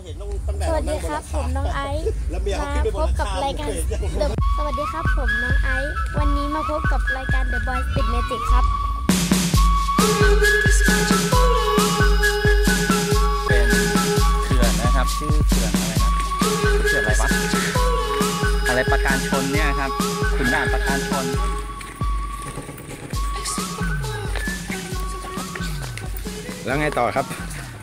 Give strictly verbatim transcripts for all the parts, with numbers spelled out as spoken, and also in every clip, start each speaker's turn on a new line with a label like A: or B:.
A: สวัสดีครับผมน้องไอซ์มาพบกับรายการ The สวัสดีครับผมน้องไอซ์วันนี้มาพบกับรายการ The Boy Speed Magic ครับ
B: เป็นเขื่อนนะครับชื่อเขื่อนอะไรนะเขื่อนอะไรวะอะไรประการชนเนี่ยครับขุนด่านประการชน
C: แล้วไงต่อครับ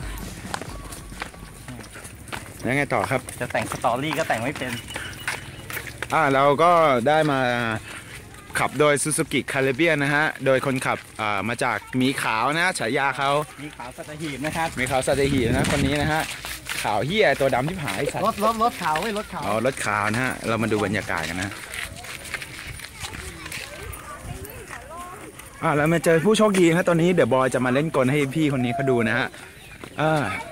C: แล้วไงต่อครับ
B: จะแต่งสตอรี่ก็แต่งไม่เป็น
C: อ่าเราก็ได้มาขับโดย Suzuki Caribbean นะฮะโดยคนขับอ่ามาจากหมีขาวนะฉายาเขา
B: หมีขาวสัตหีบนะครับ
C: หมีขาวสัตหีบนะคนนี้นะฮะขาวเหี้ยตัวดำที่หายสัตว์
B: รถรถรถขาวไม่รถขาว
C: อ๋อรถขาวนะฮะเรามาดูบรรยากาศกันนะอ่าแล้วมาเจอผู้โชคดีนะตอนนี้เดี๋ยวบอยจะมาเล่นกลให้พี่คนนี้เขาดูนะฮะอ่า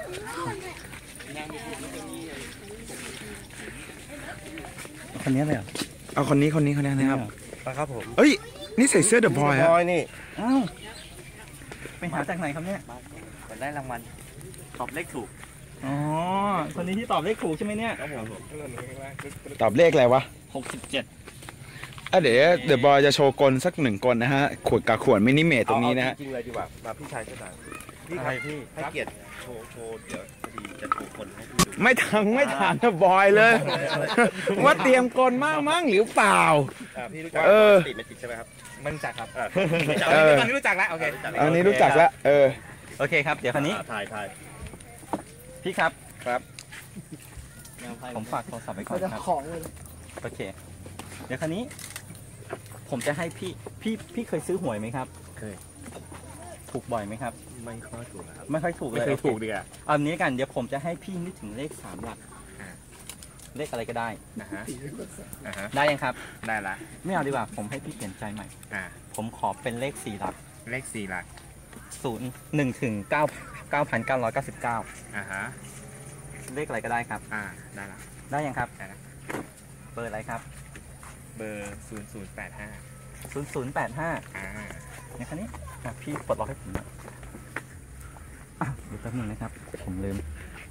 B: คนนี้เลย
C: เอาคนนี้คนนี้คนนี้นะครับ
B: ครับผม
C: เอ้ยนี่ใส่เสื้อเดอะบอยฮะ
B: นี่อ้าวไปหาจากไหนครับเนี่ยมันได้รางวัลตอบเลขถูกอ๋อคนนี้ที่ตอบเลขถูกใช่ไหมเนี่ยครับผม
C: ตอบเลขอะไรวะ
B: หกสิบเจ็ด
C: อ่ะเดี๋ยวเดอะบอยจะโชว์กลสักหนึ่งกลนะฮะขวดกับขวดมินิเมตตรงนี้นะฮะ
D: จริงเลยดีกว่ามาพี่ชายเจ้าสาวพี่ครับพี่ให้เกียรติโชว์โชว์เดี๋ยวพอดีจะถูกคนให้ดู
C: ไม่ทางไม่ทางเดอะบอยเลยว่าเตรียมกลมากมั้งหรือเปล่า
D: พี่รู้จักติดไม่ติดใช่ไหมครับ
B: ไม่รู้จักครับ
D: ตอนนี้รู้จักแล้วโอเค
C: อันนี้รู้จักแล้วเออ
B: โอเคครับเดี๋ยวคันนี้
D: ถ่ายถ่าย
B: พี่ครับ
D: ครับ
B: ผมฝากโทรศัพท์ไว้ก่อนครับโอเคเดี๋ยวคันนี้ผมจะให้พี่พี่พี่เคยซื้อหวยไหมครับ
D: เคย
B: ถูกบ่อยไหมครับ
D: ไม่ค่อยถูกครับ
B: ไม่ค่อยถูกเลย
D: ไม่เคยถูกดีอ่ะ
B: เอาอันนี้กันเดี๋ยวผมจะให้พี่นึกถึงเลขสามหลักเลขอะไรก็ได้
D: นะฮะ
B: ได้ยังครับ
D: ได้ละ
B: ไม่เอาดีกว่าผมให้พี่เปลี่ยนใจใหม่ผมขอเป็นเลขสี่หลัก
D: เลขสี่หลัก
B: ศูนย์หนึ่งถึงเก้าเก้าพันเก้าร้อยเก้าสิบเก้า
D: อ่าฮะ
B: เลขอะไรก็ได้ครับ
D: อ่าได้ละ
B: ได้ยังครับได้ละเบอร์อะไรครับ
D: เบอร์ศูนย์ศูนย์แปดห้า
B: ศูนย์ศูนย์แปดห้า
D: อ่า
B: เนี่ยคันนี้พี่ปลดล็อกให้ผมนะเดี๋ยวแป๊บนึงนะครับผมลืม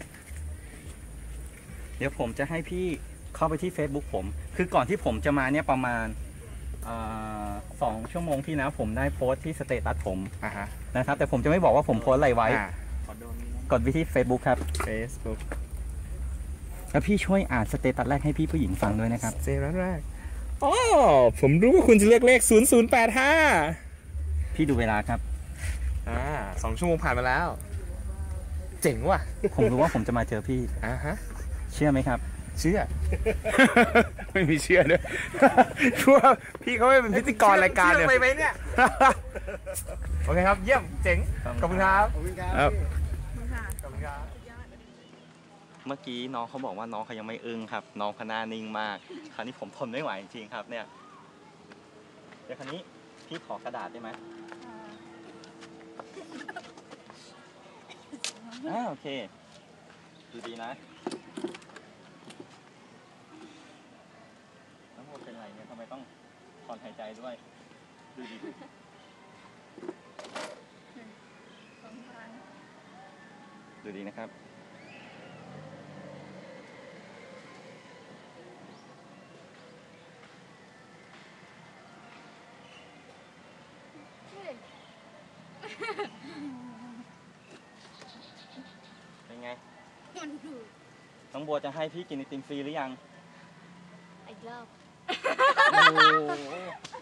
B: เดี๋ยวผมจะให้พี่เข้าไปที่ Facebook ผมคือก่อนที่ผมจะมาเนี่ยประมาณสองชั่วโมงที่แล้วผมได้โพสต์ที่สเตตัสผมนะครับแต่ผมจะไม่บอกว่าผมโพสต์อะไรไว้กดไปที่ Facebook ครับ
D: Facebook
B: แล้วพี่ช่วยอ่านสเตตัสแรกให้พี่ผู้หญิงฟังด้วยนะครับ
D: สเตตัสแรกอ๋อผมรู้ว่าคุณจะเลือกเลขศูนย์ศูนย์แปดห้า
B: พี่ดูเวลาครับ
D: อ่าสองชั่วโมงผ่านมาแล้วเจ๋งว่ะ
B: ผมรู้ว่าผมจะมาเจอพี่
D: อ่าฮะ
B: เชื่อไหมครับ
D: เชื่อ
C: ไม่มีเชื่อด้วยชัวพี่เขาไม่เป็นพิธีกรรายการเลย
D: ไปไหมเนี่ยโอเคครับเยี่ยมเจ๋งขอบคุณครับขอบคุณครับขอบคุณครับ
B: เมื่อกี้น้องเขาบอกว่าน้องเขายังไม่อึ้งครับน้องเขาหน้านิ่งมากคราวนี้ผมทนไม่ไหวจริงๆครับเนี่ยเดี๋ยวคราวนี้พี่ขอกระดาษได้ไหมอ่าโอเคดูดีนะน้องโมเป็นไรเนี่ยทำไมต้องถอนหายใจด้วยดูดีดูดีนะครับเป็นไงน้องบัวจะให้พี่กินไอติมฟรีหรือยัง
A: อีกรอบ